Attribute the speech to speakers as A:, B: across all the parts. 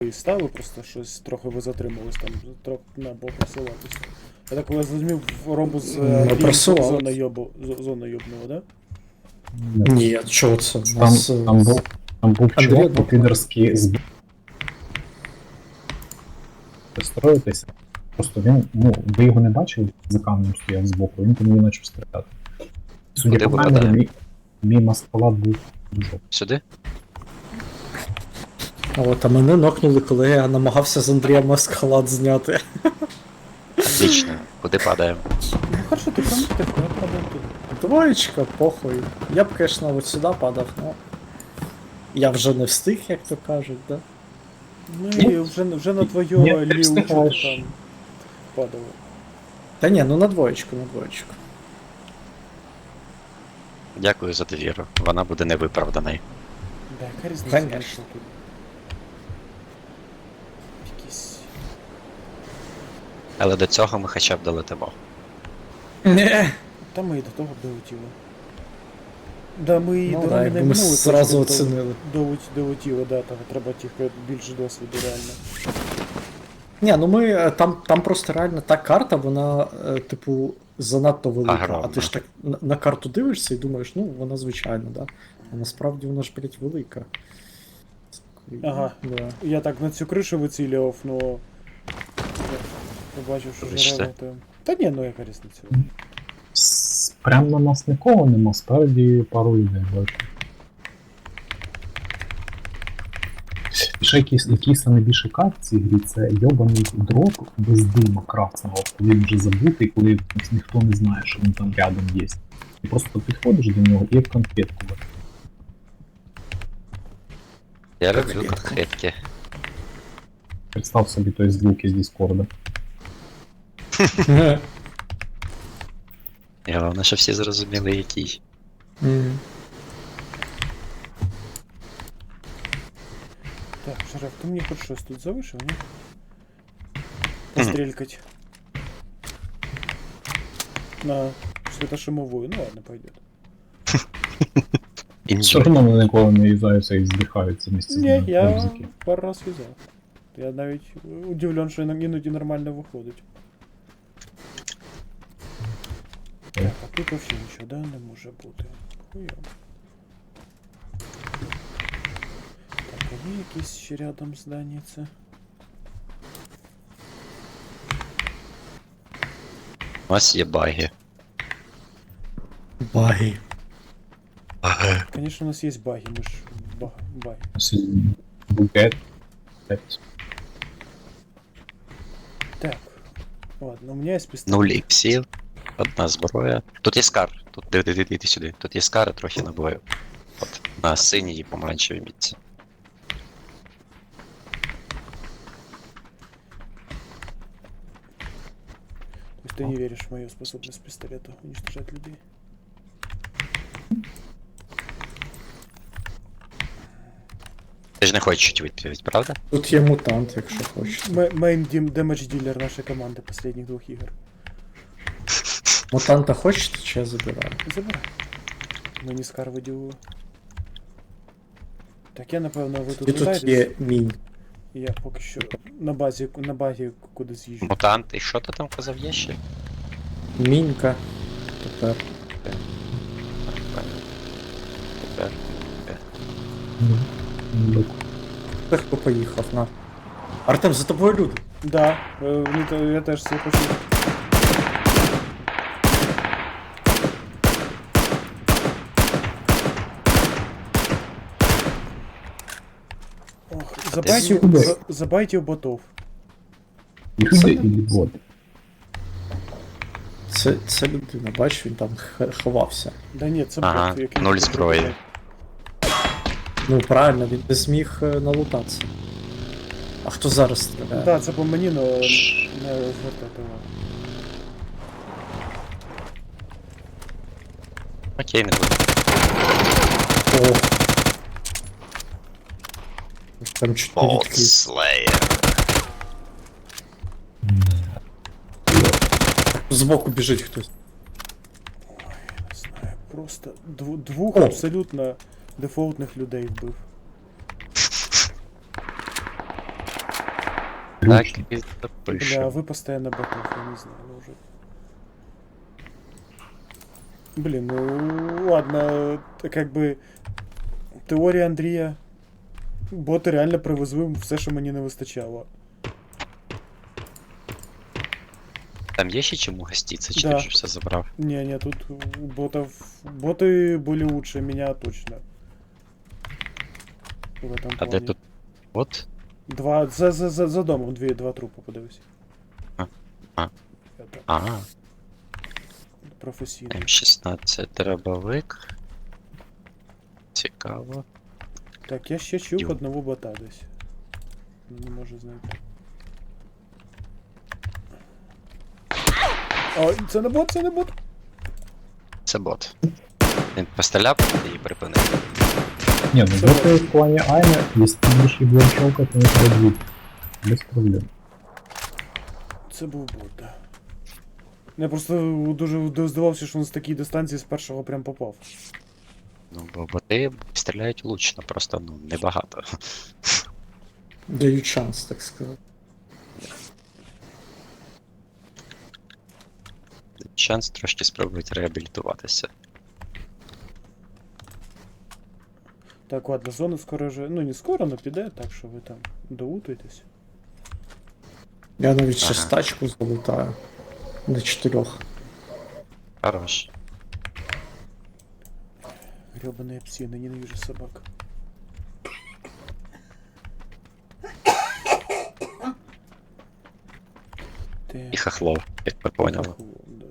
A: і стали, просто щось трохи ви затримались там, трохи треба було просуватися. Я так коли зрозумів, робу з зона йобнула, да?
B: Ні, чого це? У
C: Там,
B: нас,
C: там був
B: Андрій
C: чувак
B: одного
C: по-підерськи з строїтися. Просто він, ну, ви його не бачили, за камнем стояв збоку, він по мені почав стріляти. Судя
D: Куди
C: по камері,
D: попадає?
C: мій маскалад був дуже.
D: Сюди?
B: а мене нокнули, коли я намагався з Андрієм ескалат зняти.
D: Отлично. Куди падаємо?
A: Ну хорошо, ти прям так, я падав туди.
B: Двоєчка, похуй. Я б, звісно, от сюди падав, но... Я вже не встиг, як то кажуть, да?
A: Ну і вже на твою
C: Ні, ти
A: ліву чого
C: встигаєш.
A: там падало.
B: Та ні, ну на двоєчку, на двоєчку.
D: Дякую за довіру. Вона буде невиправданою.
A: Да, яка різниця?
B: Конечно.
A: вийшла тут? Якісь...
D: Але до цього ми хоча б долетимо.
B: Не.
A: Та ми і до того долетіли. Да, ми і
B: Ну
A: до
B: да,
A: Ромі
B: якби
A: не
B: ми
A: минули,
B: зразу
A: точно
B: оцінили.
A: долетіли, да, там треба тільки більше досвіду реально.
B: Ні, ну ми там просто реально та карта, вона, типу, занадто велика.
D: Огромна.
B: А ти ж так на карту дивишся і думаєш, ну вона звичайна, да? А насправді вона ж, блять, велика.
A: Ага.
B: Да.
A: Я так на цю кришу вицілював, но... Я побачив, що
D: Вибачте.
A: жерело там... Та ні, ну яка різниця.
C: Прям на нас нікого нема, спереді пару людей бачу. І ще який найбільше кайф в цій грі, це йобаний дроп без дима красного, коли він вже забутий, коли ніхто не знає, що він там рядом є. І просто підходиш до нього і як конфетку.
D: Я люблю конкретки.
C: Представ собі той звук із Діскорда.
D: І головне, що всі зрозуміли, який.
B: Мгм.
A: Так, Шараф, ти мені хоч щось тут залишив, ні? Пострелькать. На светошумовую, ну ладно, пойдет.
C: Все одно вони ніколи не їзаються і здихаються місці з
A: Не,
C: ними.
A: я
C: Музики.
A: пару раз вязал. Я навіть удивлен, що іноді нормально виходить. Так, а тут вообще нічого, да, не може бути. Хуйово. Так, а є якісь ще рядом зданіться?
D: У нас є баги.
B: Баги.
D: Баги.
A: Конечно, у нас є баги, ми ж баги.
C: Букет.
A: Так, ладно, у меня есть пистолет.
D: 0 іксів, одна зброя. Тут є скар. Тут диви сюди. Тут є скар, трохи набою. От, на синій і помаранчевій мітці.
A: То есть ты не веришь в мою способность пистолета уничтожать людей?
D: Ти ж не хочеш чуть відповідь, правда?
B: Тут є мутант, якщо хочеш.
A: Мейн демедж дилер нашей команды последних двух игр.
B: Мутанта хочете, чи я забираю?
A: Забирай. Мені скар виділили. Так я напевно ви
B: І
A: тут
B: тут
A: літаєтесь,
B: є мінь.
A: і я поки що на базі куди з'їжджу.
D: Мутант, і що ти там казав є ще?
B: Мінька. Тепер.
D: Тепер.
B: Легко поїхав, на. Артем, за тобою люди.
A: Да, я теж це хочу. Ох, забайте у ботов.
C: Люди і води.
B: Це людина, бачиш, він там ховався.
A: Да ні, це
D: Ага,
A: бот, який...
D: 0 зброї.
B: Ну правильно, він не зміг налутатися. А хто зараз стріляє?
A: Да, це по мені, но не звертайте увагу.
D: Окей, не буду.
B: О. Там чуть не
D: Болт
B: відкрив.
D: Slayer.
B: Збоку біжить хтось.
A: Ой, я не знаю, просто двох
B: О.
A: абсолютно дефолтних людей вбив.
D: Так
C: Ключ.
D: і
A: Бля,
D: запишемо.
A: вы постоянно ботов, я не знаю уже. Блин, ну ладно, как бы теорія Андрія. Боти реально привезли все, що мені не вистачало.
D: Там є ще чому гостіться, чи
A: Да.
D: ти вже все забрав?
A: Не, тут у ботов... Боты были лучше меня точно. В этом
D: А
A: плане.
D: де тут? От?
A: Два... За домом два трупа, подивись.
D: А. А.
A: Это
D: Ага.
A: професійно.
D: М16 дробовик. Цікаво.
A: Так, я ще чув
D: Ю.
A: одного бота десь. Не можу знайти. О, це не бот, це не бот.
D: Це бот. Він постріляв і припинив.
C: Ні, ну боти в плані Айна, якщо ти будеш їх будем щелкати, не пройдуть. Без проблем.
A: Це був бот, да. Я просто дуже здивався, що він з такої дистанції з першого прям попав.
D: Ну, бо боти стріляють влучно, просто ну, небагато.
B: Дають шанс, так сказати.
D: Шанс трошки спробувати реабілітуватися.
A: Так, ладно, зона скоро вже. Ну не скоро, но піде, так що ви там доутуєтесь.
B: Я навіть ще
D: Ага.
B: з тачку залутаю. До 4.
D: Хорош.
A: Гребаные псины, ненавижу собак.
D: І хохлов, як ми поняли.
A: Да.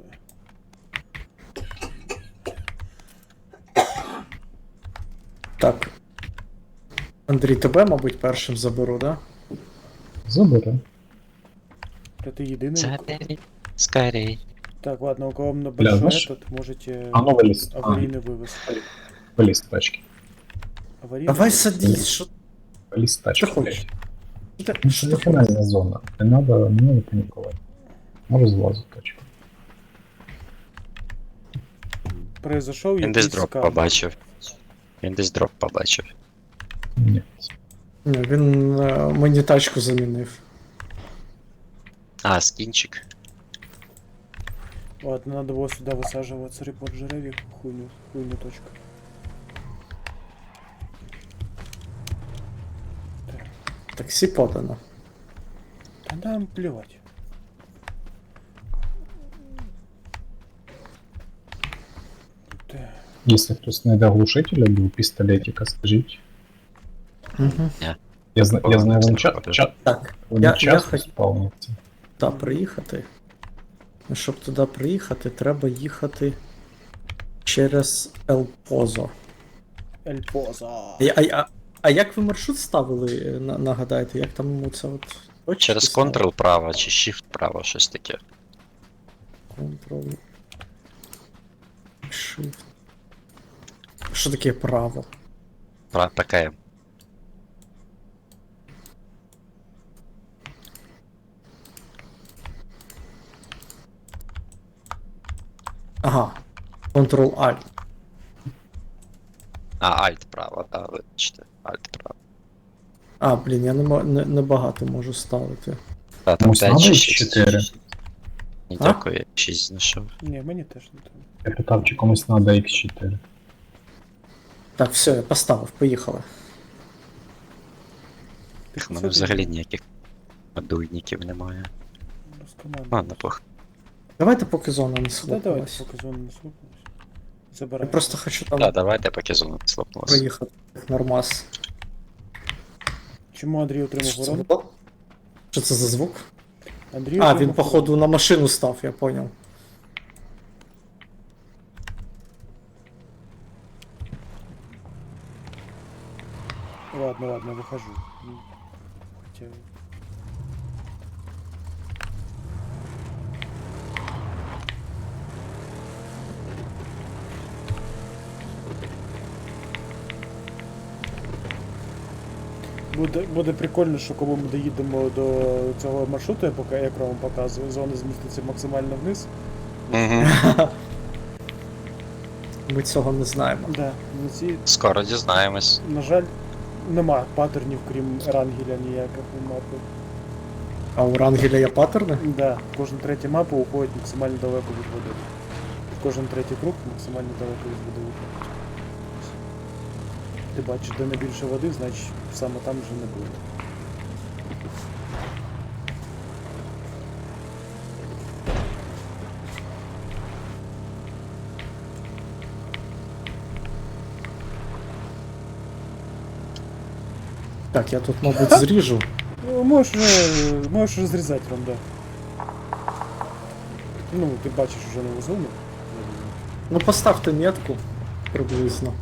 B: Так. Андрій, тебе, мабуть, першим заберу, да?
C: Забере.
A: Это единый.
D: Забери, скорей.
A: Так, ладно, у кого на
C: Бля,
A: большой
C: знаешь-
A: этот, можете
C: А ну виліз.
A: аварийный вывоз.
C: Виліз з тачки.
A: Аварийный
B: Давай
A: вывоз.
B: садись, що
C: Виліз з тачки.
B: ти хочеш?
C: Ну, це фінальна зона. Не надо панікувати. Може злазу тачку.
A: Произошел
D: Він десь
A: якийсь
D: дроп
A: скам.
D: побачив. Він десь дроп побачив.
C: Ні.
B: Ні, він мені тачку замінив.
D: А, скінчик.
A: Ладно, надо было сюда высаживаться, репорт жеревик, хуйню точка.
B: Таксі подано.
A: Да нам плевать. Так.
C: Якщо хтось знайде глушителя до пістолетика, скажіть.
B: Угу.
C: Я знаю, він
B: Так,
C: вони
B: я
C: часто
B: хоч
C: спавняться.
B: туди приїхати. Ну, щоб туди приїхати, треба їхати через Елпозо.
A: Эльпоза.
B: А як ви маршрут ставили, нагадайте, як там оце от точки
D: Через
B: ставили?
D: Ctrl право чи Shift право, щось таке.
B: Ctrl. Shift. Що таке право?
D: ПКМ.
B: Ага. Ctrl-Alt.
D: А, Alt право, да, вибачте. Alt право.
B: А, блін, я не багато можу ставити.
D: Та, там
C: Комусь
D: 5
C: надо
D: чи
C: їх
D: 6.
C: 4?
D: Ні,
B: А?
D: дякую, я 6 знайшов.
A: Не, мені теж не треба.
C: Я питав, чи комусь надо X4.
B: Так, все, я поставив, поїхали.
D: У мене взагалі ніяких дуйників немає. Ладно, пох.
B: Давайте поки зона не
A: Да, давайте,
B: слухалась.
A: поки зона не слухалась.
B: Я
A: Забирай.
B: просто хочу там
D: Да, давайте поки зона не слопнулася.
B: проїхати нормас.
A: Чому Андрій отримав
B: Що це
A: урон?
B: було? Що це за звук?
A: Андрій
B: А,
A: отримав
B: він походу на машину став, я поняв.
A: урон. Ладно, выхожу. Хотя... Буде прикольно, що коли ми доїдемо до цього маршруту, як я вам показую, зона зміститься максимально вниз.
D: Угу.
B: Ми цього не знаємо.
A: Да, на ці,
D: Скоро дізнаємось.
A: на жаль, нема паттернів, крім Ерангеля ніяких у мапи.
B: А у Рангеля є паттерни?
A: Да, кожна третя мапа уходить максимально далеко від води. Кожен третій круг максимально далеко від води уходить. Ти бачиш, де найбільше води, значить саме там вже не буде.
B: Так, я тут, мабуть, зріжу.
A: Ну, можеш розрізати ранда. Ну, ти бачиш уже нову зону.
B: Ну поставте метку приблизно.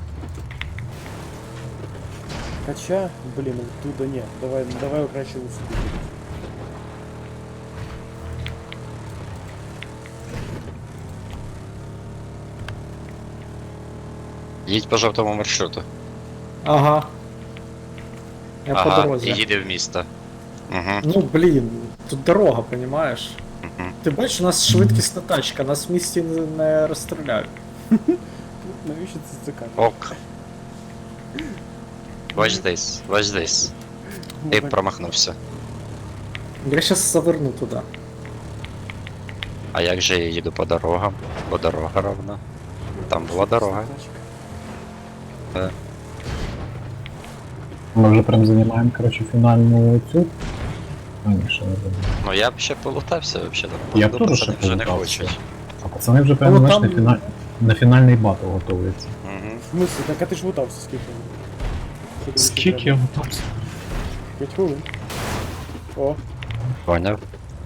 A: Хоча, блін, оттуда ні. Давай краще у собі.
D: Їдь по жовтому маршруту.
B: Ага. Я по
D: Ага, і
B: дорозі.
D: їде в місто. Угу.
B: Ну блін, тут дорога, понімаєш?
D: Угу.
B: Ти бачиш, у нас швидкісна тачка, нас в місті не розстріляють.
A: Навіщо це цікаво?
D: Ок. Watch this, watch this. Ти промахнувся.
B: Я щас заверну туди.
D: А як же я їду по дорогам? Бо дорога ровна. Там була дорога.
C: Ми вже прям займаємо, коротше, фінальну цю. А, ні, ще не забув.
D: Ну я б ще полутався взагалі.
C: Я
D: Походу,
C: теж ще
D: пацани вже не
C: полутався.
D: хочуть.
C: А пацани вже прям,
B: Ну,
C: знаєш,
B: там-
C: на фінальний батл готуються.
D: Угу.
A: В смысле? Так а ти ж лутався скільки? Що тобі ще
C: Скільки
A: треба?
C: я готувався?
A: 5 хвилин. О,
D: Поняв.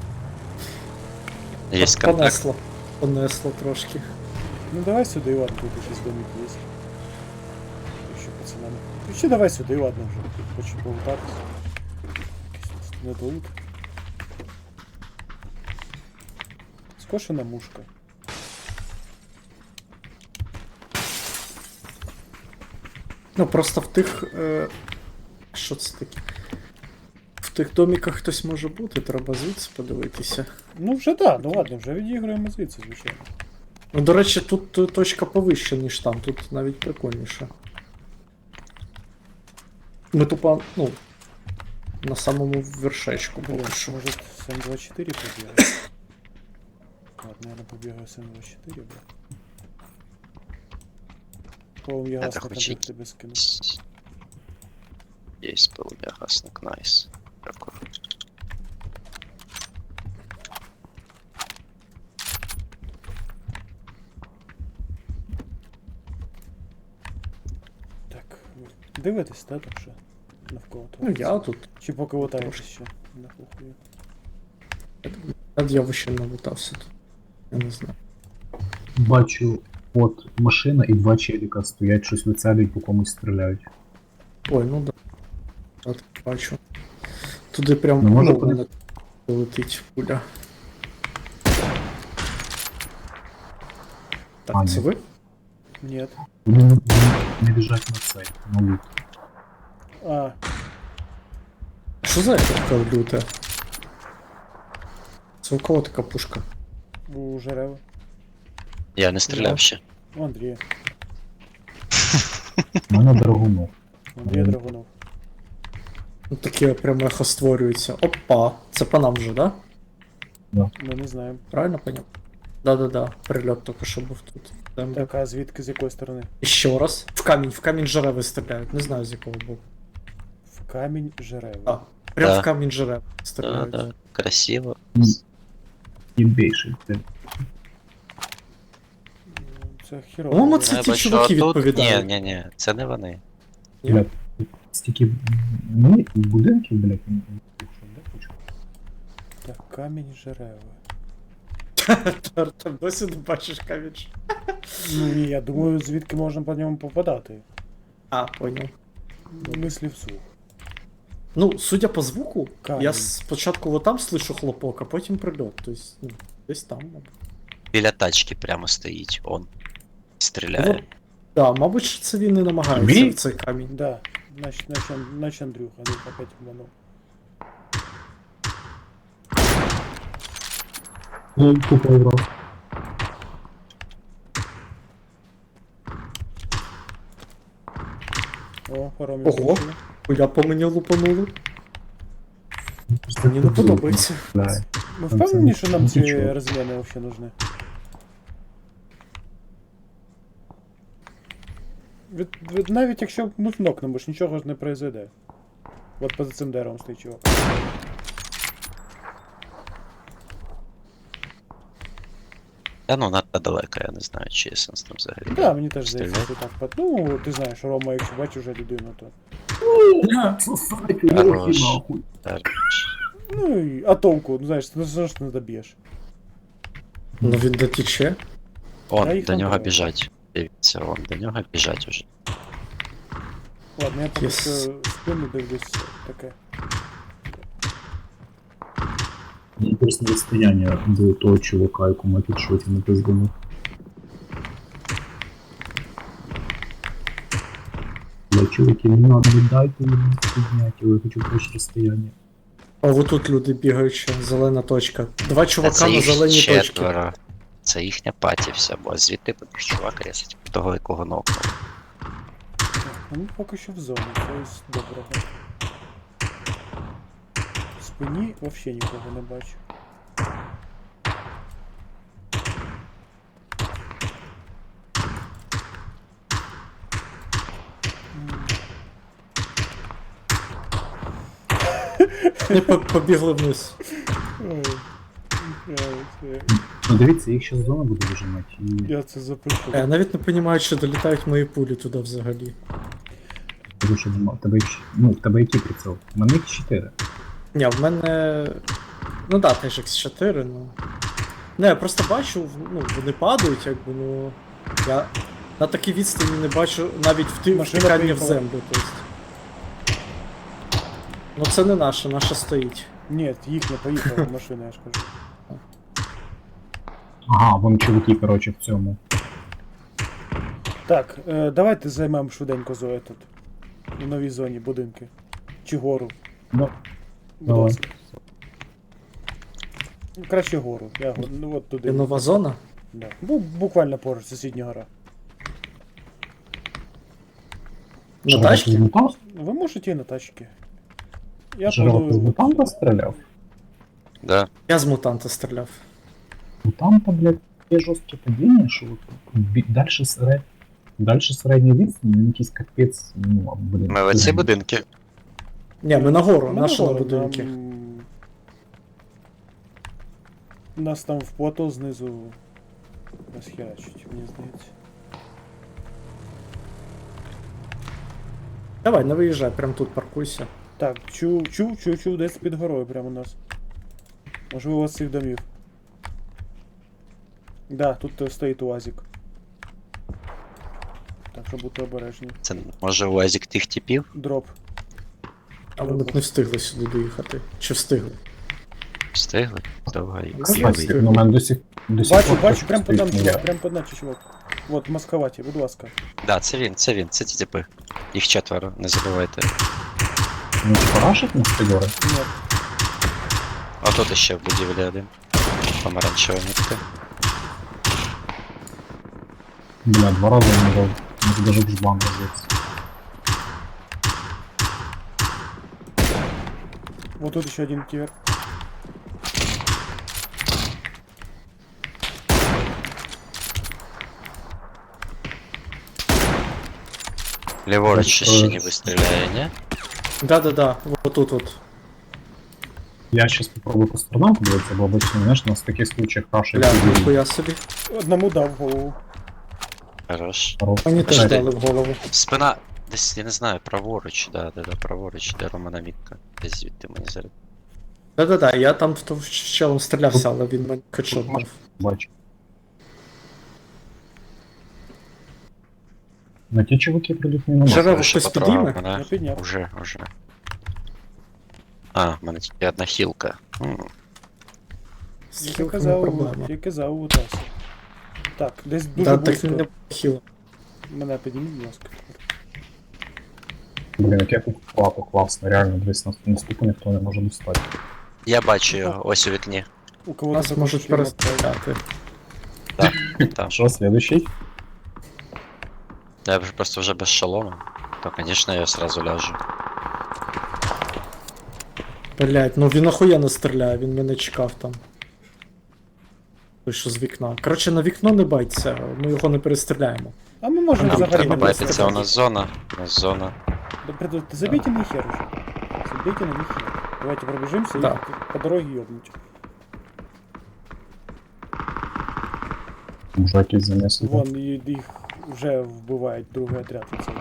D: Є контакт.
B: Понесло. Понесло трошки.
A: ну давай сюди, і ладно, тут якийсь домик є. Ще пацанами. Ну ще давай сюди, і ладно вже. Хочу полутатися. Якийсь недолуд. Скошена мушка.
B: Ну просто в тих. Що це таке? В тих доміках хтось може бути, треба звідси подивитися.
A: Ну вже да, ну ладно, вже відіграємо звідси, звичайно.
B: Ну, до речі, тут точка повища, ніж там, тут навіть прикольніше. Ми тупо, ну, на самому вершечку
A: Блин,
B: поки що.
A: может СМ-24 побегать? Ладно, наверное, побегаю СМ-24, бля. По-моему, я
D: Это
A: газ
D: хоть
A: на тебе скину.
D: Є полум'ягасник, найс. Дякую.
A: Так, ви дивитесь, так, там що? Навколо того?
B: Ну я тут.
A: Чи поки лутаєтесь
B: трошки.
A: ще? На похуй.
B: Я вообще налутався тут. Я не знаю.
C: Бачу, от машина і два челіка стоять, щось вицелюють, по комусь стріляють.
B: Ой, ну да. От, бачу. Туди прям
C: Ну, може,
B: в мене летить пуля. Так,
C: А,
B: це
C: ні.
B: ви?
A: Нет.
C: Вони не біжать на цей, на лут.
A: А,
B: Що за ефектка люта? Це у кого така пушка?
A: у Жерева.
D: Я не стріляв ще.
A: У Андрія.
C: У мене Драгунов.
A: У Андрія Драгунов.
B: Ну таке прямо ехо створюється. Опа! Це по нам вже, да?
A: Ми не знаємо.
B: Правильно поняв? Да-да-да, прильот тільки що був тут. Там.
A: Так, а звідки, з якої сторони?
B: І ще раз. В камінь жереви стріляють. Не знаю з якого боку.
A: В камінь Жерева.
B: А, прям
D: Да.
B: в камінь жереви
D: Да,
B: стріляють.
D: да. Красиво.
C: І більше.
A: Це хірово.
B: По-моєму,
A: блін.
B: це
D: Я
B: ті
D: бачу,
B: чуваки
D: а тут-
B: відповідають.
D: Ні, це не вони.
C: Блядь, стільки будинків, блядь, що, де хочу?
A: Так, камінь Жерева.
B: Там досі не бачиш камінь.
A: Ну ні, я думаю, звідки можна по ньому попадати.
B: А, понял.
A: Мислі вслух.
B: Ну, судя по звуку,
A: Камінь.
B: я спочатку вот там слышу хлопок, а потім прильот. Тобто, ну, десь там, мабуть.
D: Біля тачки прямо стоїть, он.
B: Ну,
D: Стріляє.
B: да, мабуть, що це він і намагається
C: Він?
B: в цей камінь.
A: Да, значит Андрюха, ну опять обманул.
C: Ну, купа урав.
A: О, паром
B: Ого. Я по мені лупанули. Мені не подобається.
C: Да.
A: Ми
C: Це
A: впевнені, що нам ці
C: нічого.
A: розміни взагалі нужны? Навіть якщо ми нокнемо, ж нічого ж не произойде. От поза цим деревом стоїть чувак.
D: Та ну надто далеко, я не знаю, чи є сенс там взагалі.
A: Да, мені теж здається,
D: Стріляти.
A: що так. Ну, ти знаєш, Рома, якщо бачиш вже людину, то.
D: Хорош. Так.
A: Ну і а толку, ну знаєш, ти все ж не доб'єш.
B: Ну він дотіче.
A: Я
D: Он,
A: їх
D: до нього
A: набрав.
D: біжать. Дивіться, он, до нього біжать уже.
A: Ладно, я поки
B: Yes.
A: що спину дивлюсь таке.
C: Інтересне розстояння до того чувака, якому я підшоті не пиздану. Я чуваки, не надо, не дайте мені підняти, я хочу теж розстояння.
B: А вот тут люди бігають ще, зелена точка. Два
D: Та
B: чувака
D: це
B: на
D: їх
B: зеленій точці.
D: четверо. Це їхня паті вся, бо звідти будеш чувак рісать того, якого нокнув.
A: Ну, поки що в зоні, то з доброго. В спині взагалі нікого не бачу.
B: Вони побігли вниз.
A: Ой,
C: Ну дивіться, їх ще зона буде вижимати. І
A: я це запишу.
B: Я навіть не розумію, чи долітають мої пулі туди взагалі.
C: тому що нема. В тебе який приціл? У мене їх 4.
B: Ні, в мене. Ну да, теж X4, ну. Не, я просто бачу, ну, вони падають, якби, ну. Я на такій відстані не бачу навіть
A: Машина
B: втикання в
A: приїхала.
B: землю, тобто. Ну це не наша стоїть.
A: Ні, їхня поїхала машина, я ж кажу.
C: Ага, вон чуваки, коротше, в цьому.
A: Так, давайте займемо швиденько Зою тут. У новій зоні будинки. Чи гору.
C: Ну,
A: Будь
C: давай.
A: ласка. Краще гору. Ну от туди.
B: Є нова зона.
A: Да. Буквально поруч, сусідня гора.
B: На тачці?
A: Ви можете і на тачки. Я
C: Жирок з
A: буду...
C: мутанта стріляв?
D: Да.
B: Я з мутанта стріляв.
C: Мутанта, блядь, є жорстке падіння, що дальше середньої відстані, він якийсь капець, ну, блін.
D: Ми в оці будинки.
B: Ні, ми нагору,
A: Ми
B: наші на
A: нагору,
B: будинки.
A: Нас там в плато знизу розхерачуть, мені здається.
B: Давай, не виїжджай, прям тут паркуйся.
A: Так, чув, десь під горою прямо у нас. Можливо, у вас цих домів. Да, тут стоїть УАЗик. Так що будьте обережні.
D: Це може УАЗик тих типів?
A: Дроп.
B: А вони б не встигли сюди доїхати. Чи встигли?
D: Встигли? Давай.
C: Кстати, ну, у мене до сих пор
A: Бачу, прям под
C: стоїть
A: нами,
C: моя.
A: чувак, прям под нами, чувак. Вот, в маскаваті, будь ласка.
D: Да, це він, це ті типи. Їх четверо, не забувайте.
C: Ну, чи парашить на стегори?
A: Ні.
D: А тут ще в будівлі один. Помаранчева нітка.
C: Бля, 2 рази не дав. Може даже в жбан розеться.
A: Вот тут еще один кивер.
D: Ліворуч ще не вистріляє, ні?
B: Да-да-да, вот тут от.
C: Я сейчас попробую по сторонам подивитися, бо обычно, знаєш, у нас в таких случаях рашить.
B: Бля, ніхуя собі.
A: Одному дав в голову.
D: Хорош.
B: Мені теж
D: Чекай.
B: дали в голову.
D: Спина. Десь, я не знаю, праворуч, да, праворуч, де Романа мітка. Десь звідти мені зараз.
B: Да-да-да, я там в того челом стрілявся, але він мені хедшот дав.
C: Бачу. На ті чуваки приліт не
B: Жире-
C: нема.
B: Хтось підійме?
A: Я підняв.
D: Уже. А, в мене тільки одна хілка.
B: З
A: Я
B: хілками проблема.
A: казав у Тасі. Так, десь дуже
B: Да, так
A: близько.
B: він не хіл.
A: Мене підніміть, будь ласка.
C: Блін, яке тут плато класно, реально, дивись, на ступу ніхто не може достати.
D: Я бачу його, ось у вікні.
A: У кого
B: Нас можуть перестріляти.
D: Там.
C: Що, следующий?
D: Я просто вже без шолома. То, конечно, я сразу ляжу.
B: Блять, ну він охуєнно стріляє, він мене чекав там. Той, що з вікна. Коротше, на вікно не байтеся, ми його не перестріляємо.
A: А ми можемо
D: Нам
A: взагалі
D: треба
A: не
D: байтиться, у
A: вистріляти.
D: нас зона. У нас зона.
A: Да, забейте на хер уже. Забейте на них хер. Давайте пробежимся
B: Да.
A: и по дороге ёбнуть.
C: Може якісь занесли.
A: Вон, их уже вбивает другой отряд. Оцей.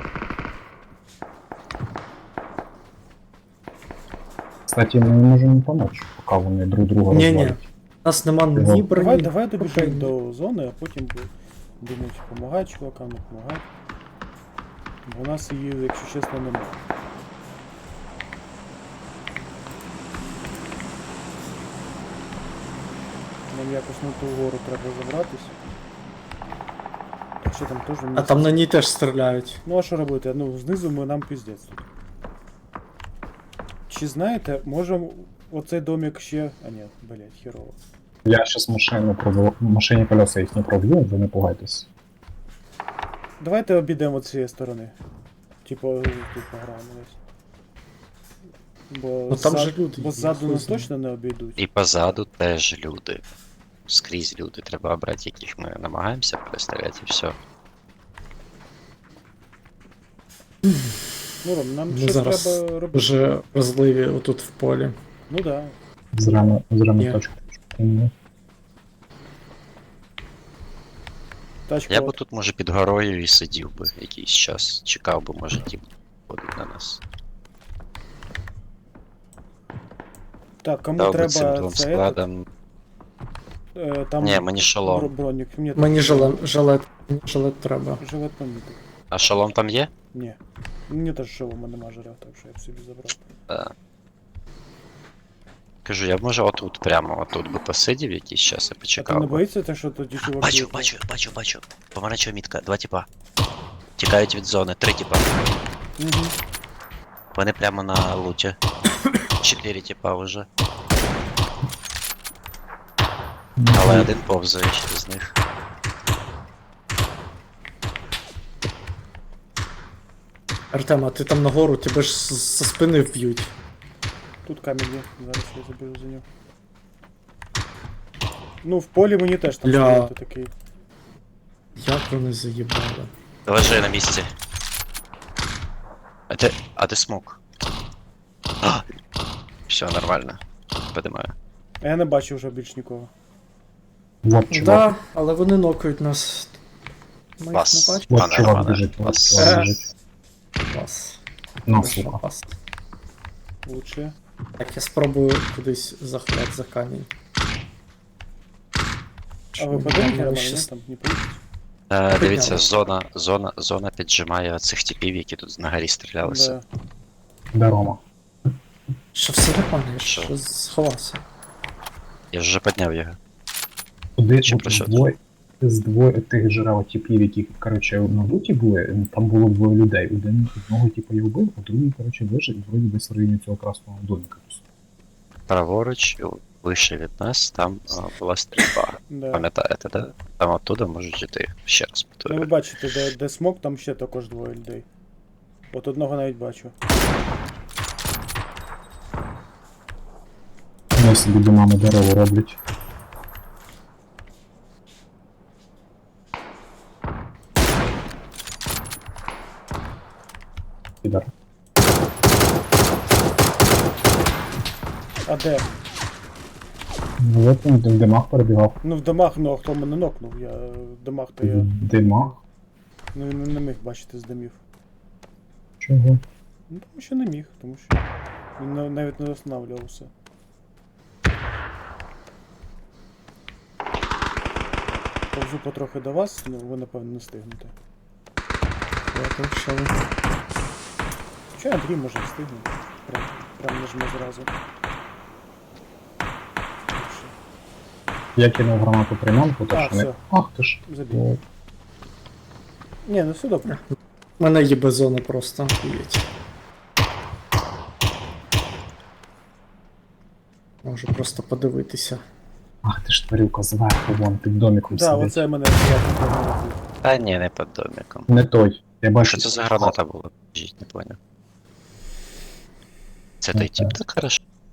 C: Кстати, ми можемо допомогти, поки вони друг друга
B: Ні-ні.
C: розвалять.
B: У нас нема ні
C: Давай,
B: броні.
A: Давай добіжимо
B: Окей.
A: до зони, а потім думати, допомагати чувакам, не допомагати. Бо у нас її, якщо чесно, немає. Нам якось на ту гору треба забратись. Так що там теж
B: А
A: місце.
B: там на ній теж стріляють.
A: Ну а що робити? Ну, знизу нам піздець тут. Чи знаєте, можемо оцей домик ще. А ні, блять, херово.
C: Я щас машині колеса їх не проб'ю, ви не пугайтесь.
A: Давайте обійдемо з цієї сторони. Типу, тут пограємо десь. Бо,
B: Ну, там же люди
A: бо
B: є,
A: ззаду
B: хуй
A: нас
B: знає.
A: точно не обійдуть.
D: І позаду теж люди. Скрізь люди. Треба обрати, яких ми намагаємося перестріляти і все.
A: Ну, Ром, нам
B: Ми
A: щось
B: зараз
A: треба робити.
B: вже розливі отут в полі.
A: Ну да.
C: Зрано
B: Ні.
C: точку. Ні.
A: Тачка.
D: Я б тут, може, під горою і сидів би якийсь час. Чекав би, може, ті ходить на нас.
A: Так, кому
D: Дав би цим
A: треба
D: двом
A: це
D: складам.
A: там
D: Ні, мені шолом.
A: бронік.
B: Мені жилет треба.
A: Жилет помітив.
D: А шолом там є?
A: Ні. Мені теж шолома нема жира, так що я б собі забрав.
D: Кажу, я б може отут, прямо отут би посидів якийсь час і
A: А ти
D: почекав.
A: не
D: би.
A: боїшся те, що тоді чуваки...
D: Бачу. Помаранчева мітка, 2 тіпа. Тікають від зони, 3 тіпа.
A: Угу.
D: Вони прямо на луті. 4 тіпа вже. Але один повзає ще з них.
B: Артем, а ти там нагору, тебе ж зі спини вб'ють.
A: Тут камінь є, зараз я заберу за нього. Ну, в полі мені теж там
B: Бля.
A: стояти такий.
B: Як вони заїбали.
D: Лежи на місці. А ти смок. Все, нормально. Подимаю.
A: А я не бачу вже більш нікого.
C: Вот чувак.
B: Да, але вони нокають нас. Ми їх не
D: Вас.
B: бачимо.
C: Вот чувак
D: Пане,
C: біжить, вот
D: вас.
C: чувак біжить.
B: Вас.
C: На,
B: Хорошо,
C: сука.
B: вас.
A: Лучше.
B: Так, я спробую кудись заховати за камінь.
A: А ви
B: Щоб
A: подумайте,
B: мене
A: нормально,
B: щас-
A: ні? Там не получится.
D: Дивіться,
B: Підняли.
D: зона піджимає цих типів, які тут на горі стрілялися.
A: Да.
C: Де Рома?
B: Що все нормально, я
D: Що?
B: ж сховався.
D: Я ж вже підняв його.
C: Туди
D: Чи
C: от
D: про що?
C: з двоє тих жирав типів, які, коротше, на буті були, там було двоє людей. Одного типу я вбив, а другий, коротше, вижив, і вроді десь в районі цього красного домика.
D: Праворуч, вище від нас, там була стрільба.
A: Да.
D: Пам'ятаєте, да? Там оттуда можуть жити. Ще раз
A: Ну ви
D: повторюю.
A: бачите, де смок, там ще також двоє людей. От одного навіть бачу.
C: Вони собі домами дерево роблять. Підар.
A: А де?
C: Ну от він в димах перебігав.
A: Ну в домах, ну а хто мене нокнув? Я в домах то я.
C: В димах?
A: Ну він не міг бачити з домів.
C: Чого?
A: Ну тому що не міг, тому що він навіть не останавливався. Повзу потрохи до вас, ну ви напевно не встигнете.
B: Я там що ви.
A: Чи Андрій може встигнути? Прям нажме зразу. Лучше.
C: Я кинув гранату приманку,
A: А,
C: то що не.
A: все.
C: Ах ти ж.
A: Забій.
C: О,
A: Ні, ну все добре.
B: У мене є безона просто. Уїдь. Можу просто подивитися.
C: Ах ти ж тварюка зверху, вон під домиком
A: Да,
C: сидить.
A: оце мене приємно погнав.
D: Та ні, не під домиком.
C: Не той. Я бачу.
D: Що це за граната була? Жіть, не поняв. Це той тип, так хорошо.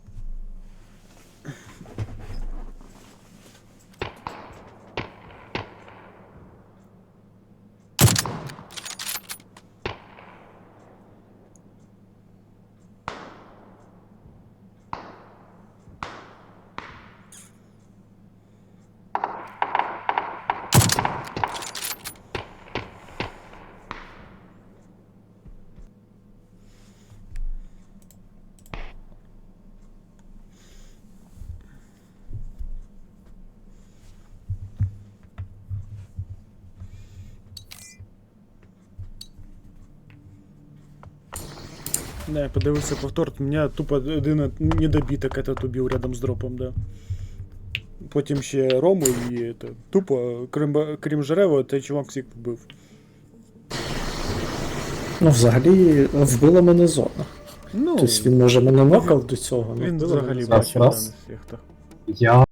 A: Не, подивився повтор, мене тупо один недобиток этот убив рядом з дропом, да. Потім ще Рому і это, тупо, крім Жерева, той чувак всіх побив.
B: Ну, взагалі, вбила мене зона.
A: Ну,
B: Тобто він, може, мене нокав до цього, але
A: він
B: вбила
A: взагалі
B: мене
C: Раз,
A: бачив
C: раз.
A: на всіх.
C: Я